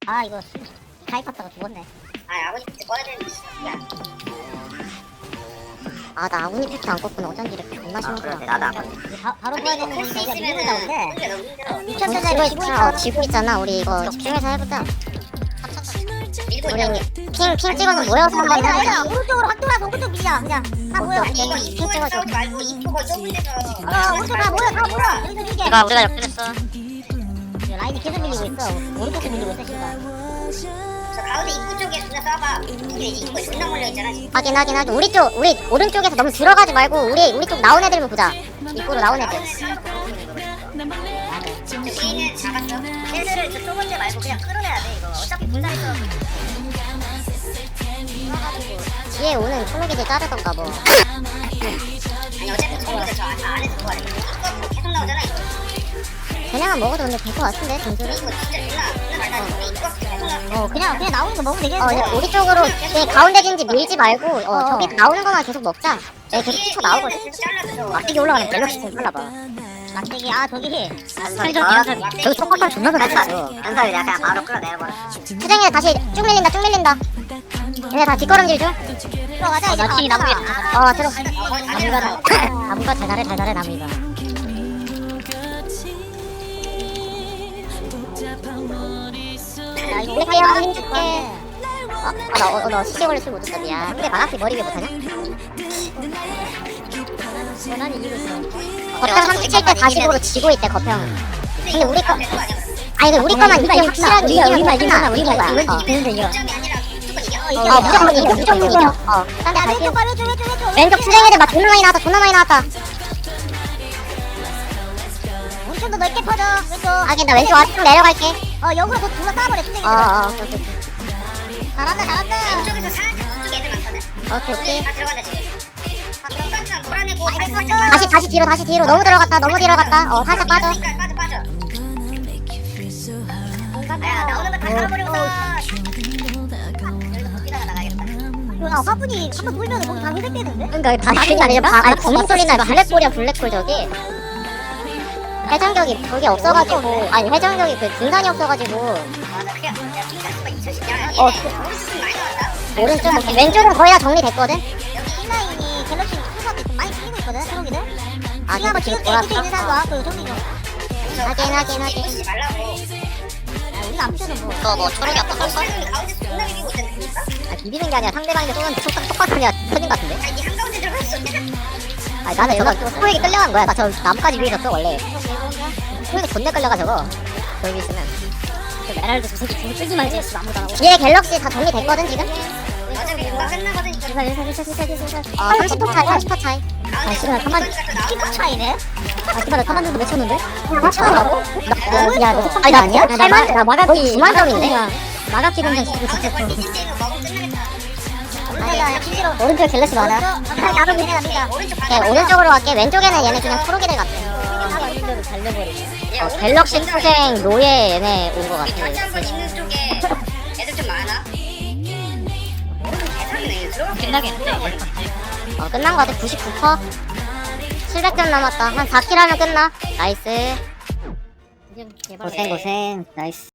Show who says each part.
Speaker 1: 아 이거 가입했다가 죽었네.
Speaker 2: 아 아버지 팩트 꺼야 되는데. 야.
Speaker 3: 아, 나 아군이 팩트 안 껐구나. 어쩐지 이렇게 존나
Speaker 2: 그래
Speaker 3: 심하구나.
Speaker 2: 나도 안 봐.
Speaker 1: 바로
Speaker 2: 아니
Speaker 1: 구해야
Speaker 2: 이거
Speaker 1: 되는
Speaker 2: 할수
Speaker 1: 거니까 우리가 밀고
Speaker 2: 있으면은
Speaker 1: 나오는데
Speaker 2: 그게 너무 힘들어.
Speaker 1: 2,000짜리
Speaker 3: 지고 있잖아. 지고 있잖아. 우리 이거 집중해서 해보자.
Speaker 2: 밀고
Speaker 3: 우리
Speaker 2: 있다고.
Speaker 3: 핑 찍어서 모여서 한번
Speaker 1: 아니다
Speaker 3: 해보자.
Speaker 1: 오른쪽으로 확 돌아서 오른쪽 밀자 그냥 다 모여.
Speaker 2: 아니 이거
Speaker 3: 핑
Speaker 2: 이쪽에서
Speaker 3: 찍어줘.
Speaker 2: 싸우지 말고 이쪽을 좁은 데서.
Speaker 1: 오른쪽 다 모여 다 모여. 여기서 밀게.
Speaker 3: 이봐, 우리가 역전했어.
Speaker 1: 라인이 계속 밀리고 있어. 오른쪽도 밀리고 있어 지금.
Speaker 2: 저 가운데 입구 쪽에 존나 싸봐. 이게 입구에 존나 몰려 있잖아 지금.
Speaker 3: 확인. 우리 오른쪽에서 너무 들어가지 말고 우리 쪽 나온 애들만 보자. 입구로 나온 애들.
Speaker 2: 위에는 잡았어. 쟤들을 저 좁은 데 말고 그냥 끌어내야 돼 이거. 어차피 분산해서.
Speaker 3: 뒤에 오는 초록이들 자르던가 뭐.
Speaker 2: 아니 어차피 저기서 저 안에서 뭐하래. 입구 계속 나오잖아 이거.
Speaker 3: 그냥은 먹어도 근데 될 것 같은데 등수를.
Speaker 2: 이거 진짜 존나 달다. 입구 계속 나와.
Speaker 1: 그냥 나오는 거 먹으면 되겠는데.
Speaker 3: 그냥 우리 쪽으로 가운데 진지 밀지 말고 저기 나오는 거만 계속 먹자. 네, 계속 튀쳐 나오거든. 막대기 올라가는 갤럭시 좀 빨라봐.
Speaker 1: 막대기 저기.
Speaker 3: 저기 톡박박 존나 잘했어.
Speaker 2: 연설이 내가 그냥 바로 끌어내버려.
Speaker 3: 수정이 다시 쭉 밀린다. 얘네 다 뒷걸음질 중.
Speaker 1: 들어가자.
Speaker 3: 나 튀기 나무에. 들어. 나무가 잘 잘해 나무가.
Speaker 1: 야 이거
Speaker 3: 블랙 한번 힘줄게. 너 시계 걸려 술못 줬어 미안. 근데 만화피 머리 위에 못하냐?
Speaker 1: 전환이 이기고 있어.
Speaker 3: 거평 37대 45로 지고 있대 거평. 근데 우리 거 아니 우리 거만 이기면 확실하게 이기면 이기는 거야.
Speaker 1: 되는데 이거.
Speaker 3: 무조건 이겨. 딴데
Speaker 1: 야
Speaker 3: 갈게.
Speaker 1: 왼쪽 봐 왼쪽.
Speaker 3: 왼쪽 수정이들 막 존나 많이 나왔다.
Speaker 1: 왼쪽도 넓게 퍼져. 왼쪽.
Speaker 3: 하긴 나 왼쪽 아래쪽 내려갈게.
Speaker 1: 역으로 곧 둘러 싸버려 수정이들.
Speaker 3: 오케이.
Speaker 1: 잘한다.
Speaker 2: 왼쪽에서 살짝 왼쪽 애들 많거든.
Speaker 3: 오케이.
Speaker 2: 다 들어간다 지금. 덕박상 몰아내고
Speaker 3: 다시 뒤로 너무 들어갔다. 살짝 빠져.
Speaker 2: 빠져. 야 나오는 거 다 잡아버리고서. 여기다가 나가야겠다.
Speaker 1: 야 화분이 한번 돌면 거기 다 회색되는데?
Speaker 3: 그러니까 다시 아니라 검은 소리나 블랙볼이야 블랙볼 저기. 회전격이 그게 없어가지고 회전격이 그 분산이 없어가지고
Speaker 2: 맞아 그냥 핑크스가 2010년.
Speaker 3: 오른쪽 왼쪽은 거의 다 정리됐거든.
Speaker 1: 여기 인라인이 갤럭시 투사도 좀 많이 풀리고 있거든 초록이들.
Speaker 3: 아,
Speaker 1: 지금 한번
Speaker 3: 지금
Speaker 1: 찍을게.
Speaker 3: 돌았어?
Speaker 1: 밑에 있는 사람 와갖고 정리 좀.
Speaker 3: 하긴.
Speaker 2: 보지 말라고.
Speaker 1: 우리가 안 펴서 뭐.
Speaker 3: 너 뭐 초록이 아까 썼어?
Speaker 2: 가운데 존나 비비고 있잖아.
Speaker 3: 비비는 게 아니라 상대방이 쏘는데 똑같으냐 터진 것 같은데?
Speaker 2: 아니 한가운데 들어갔어.
Speaker 3: 나는 저거 소에게 끌려간 거야. 나 저 나뭇가지 위에 있었어 원래. 소에게 존나 끌려가 저거. 저기 있으면.
Speaker 1: 에랄드 저 새끼 둘 끄지 말지. 아무도 안 하고.
Speaker 3: 뒤에 갤럭시 다 정리됐거든 지금?
Speaker 2: 어차피 금방 끝나거든 이거.
Speaker 3: 30% 차이 30% 차이.
Speaker 2: 씨발 가만.
Speaker 1: 키가 차이네?
Speaker 3: 기다려 가만 좀 맺혔는데? 맺혔다고? 야 너 아니야? 8만? 나 마가키 9만 점인데? 마가키 공장 시키고
Speaker 2: 어차피
Speaker 3: 직접
Speaker 2: 이제 이거 먹으면 끝나겠다.
Speaker 1: 야 김지로.
Speaker 3: 오른쪽 갤럭시 많아.
Speaker 1: 나도 믿어.
Speaker 2: 오른쪽
Speaker 3: 오케이 오른쪽으로 갈게. 왼쪽에는 얘네 그냥 초록이들 같아. 갤럭시 투생 노예 얘네 온 거 같아.
Speaker 2: 결제 한번 있는 쪽에 애들 좀 많아. 대단해. 들어가
Speaker 1: 끝나겠는데?
Speaker 3: 끝난 거 같아. 99%. 700점 남았다. 한 4킬 하면 끝나. 나이스. 고생. 나이스.